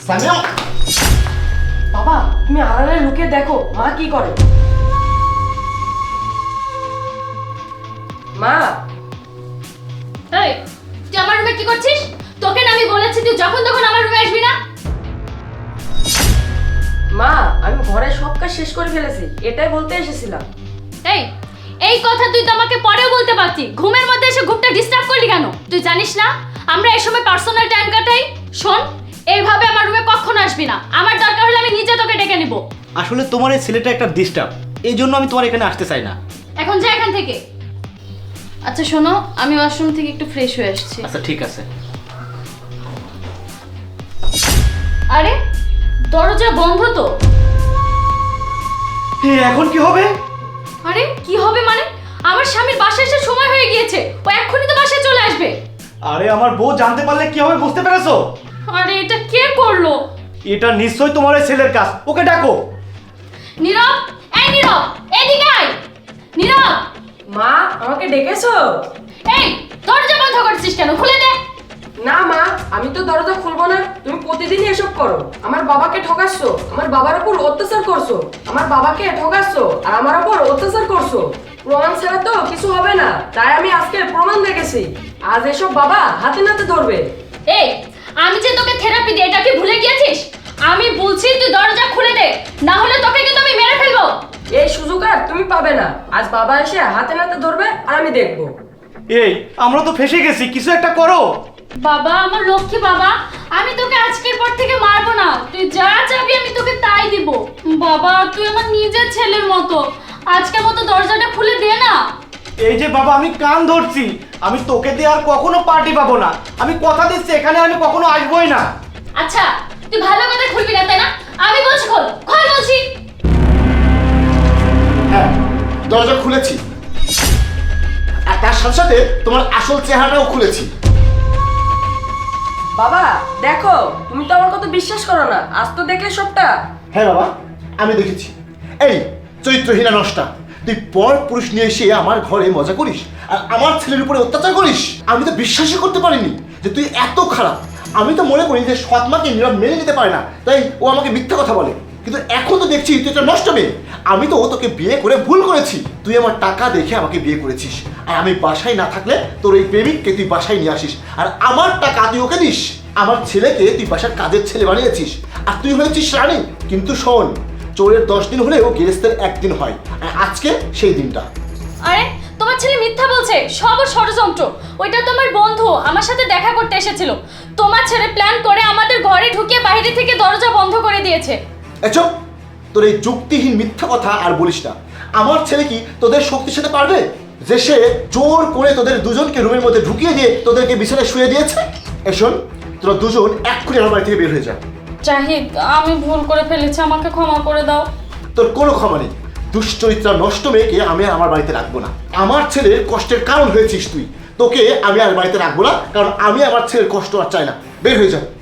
সামিয়া, বাবা তুমি আড়ালে লুকিয়ে দেখো মা কি করে। মা, এই তুই আমার রুমে কি করছিস? তোকে না আমি বলেছি তুই যখন তখন আমার রুমে আসবি না। মা আমি ঘরে সব কাজ শেষ করে ফেলেছি, এটাই বলতে এসেছিলাম। এই কথা তুই তো আমাকে পরেও বলতে পারতি, ঘুমের মধ্যে এসে ঘুমটা ডিস্টার্ব করলি কেন? তুই জানিস না আমরা এই সময় পার্সোনাল টাইম কাটাই। শোন, এইভাবে আমার রুমে কখনো আসবি না, আমার দরকার হলে আমি নিজে তোকে ডেকে নিব। আসলে তোমার এই ছেলেটা একটা ডিস্টার্ব, এই জন্য আমি তোমার এখানে আসতে চাই না। এখন যা এখান থেকে। আচ্ছা শোনো, আমি ওয়াশরুম থেকে একটু ফ্রেশ হয়ে আসছি। আচ্ছা ঠিক আছে। আরে দরজা বন্ধ তো। এখন কি হবে? আরে কি হবে মানে? আমার স্বামীর বাসায় এসে সময় হয়ে গিয়েছে, ও এক্ষুনি তো বাসায় চলে আসবে। আরে আমার বউ জানতে পারলে কি হবে বুঝতে পেরেছো? আরে এটা কে করলো? এটা নিশ্চয়ই তোমার এই ছেলের কাজ, ওকে ডাকো। নীরব, এই নীরব এদিকে আয়। নীরব। মা আমাকে ডেকেছো? এই দরজা বন্ধ করছিস কেন? খুলে দে। না মা, আমি তো দরজা খুলবো না, তুমি প্রতিদিনই এসব করো। আমার বাবাকে ঠকাচ্ছো, আমার বাবার উপর অত্যাচার করছো, আমার বাবাকে ঠকাচ্ছো আর আমার উপর অত্যাচার করছো। প্রমাণ ছাড়া তো কিছু হবে না, তাই আমি আজকে প্রমাণ দেখেছি। আজ এসব বাবা হাতে নাতে ধরবে। এই আমি যে তোকে থেরাপি দিই এটা কি ভুলে গিয়েছিস? আমি বলছি তুই দরজা খুলে দে, না হলে তোকে কিন্তু আমি মেরে ফেলবো। এই সুযোগ আর তুমি পাবে না, আজ বাবা এসে হাতে নাতে ধরবে আর আমি দেখবো। এই আমরা তো ফেসে গেছি, কিছু একটা করো। বাবা আমার লক্ষ্মী বাবা, আমি তোকে আজকের পর থেকে মারবো না, তুই যা চাবি আমি তোকে তাই দিব। বাবা তুই আমার নিজের ছেলের মতো, আজকের মতো দরজাটা খুলে দে না। এই যে বাবা আমি কান ধরছি, আমি তোকে দিয়ে আর কখনো পার্টি পাবো না। আমি কথা দিচ্ছি এখানে আমি কখনো আসবোই না। আচ্ছা তুই ভালো কথা খুলবি না তাই না? আমি বলছি খোল, খোল বলছি। হ্যাঁ, দরজা খুলেছি আর তার সাথে সাথে তোমার আসল চেহারাটাও খুলেছি। বাবা দেখো, তুমি তো আমার কথা বিশ্বাস করো না, আজ তো দেখলে সবটা। হ্যাঁ বাবা, আমি দেখেছি। এই চরিত্রহীনা নষ্টা, তুই পর পুরুষ নিয়ে এসে আমার ঘরে মজা করিস আর আমার ছেলের উপরে অত্যাচার করিস। আমি তো বিশ্বাসই করতে পারিনি যে তুই এত খারাপ। আমি তো মনে করি যে সৎ মাকে নীরব মেনে নিতে পারে না, তাই ও আমাকে মিথ্যা কথা বলে। কিন্তু এখন তো দেখছি তুই একটা নষ্ট মেয়ে। আমি তো তোকে বিয়ে করে ভুল করেছি, তুই আমার টাকা দেখে আমাকে বিয়ে করেছিস আর আমি বাসায় না থাকলে তোর এই প্রেমিককে তুই বাসায় নিয়ে আসিস আর আমার টাকা তুই ওকে দিস। আমার ছেলেকে তুই বাসার কাজের ছেলে বানিয়েছিস আর তুই হয়েছিস রানী। কিন্তু শোন, চোরের 10 দিন হলেও গেরেস্তের 1 দিন হয়, আর আজকে সেই দিনটা। আরে তোমার ছেলে মিথ্যা বলছে, সব ষড়যন্ত্র। ওইটা তোমার বন্ধু আমার সাথে দেখা করতে এসেছিল, তোমার ছেলে প্ল্যান করে আমাদের ঘরে ঢুকিয়ে বাইরে থেকে দরজা বন্ধ করে দিয়েছে। চুপ, তোর এই যুক্তিহীন মিথ্যা কথা আর বলিস না। আমার ছেলে কি তোদের শক্তির সাথে পারবে যে সে জোর করে তোদের দুজনকে রুমের মধ্যে ঢুকিয়ে দিয়ে তোদেরকে বিছানায় শুয়ে দিয়েছে? শোন, তোরা দুজন এক্ষুনি আমার বাড়ি থেকে বের হয়ে যা। জাহিদ আমি ভুল করে ফেলেছি, আমাকে ক্ষমা করে দাও। তোর কোনো ক্ষমা নেই। দুশ্চরিত্রা নষ্ট মেয়েকে আমি আমার বাড়িতে রাখবো না। আমার ছেলের কষ্টের কারণ হয়েছিস তুই, তোকে আমি আর বাড়িতে রাখবো না, কারণ আমি আমার ছেলের কষ্ট আর চাই না। বের হয়ে যা।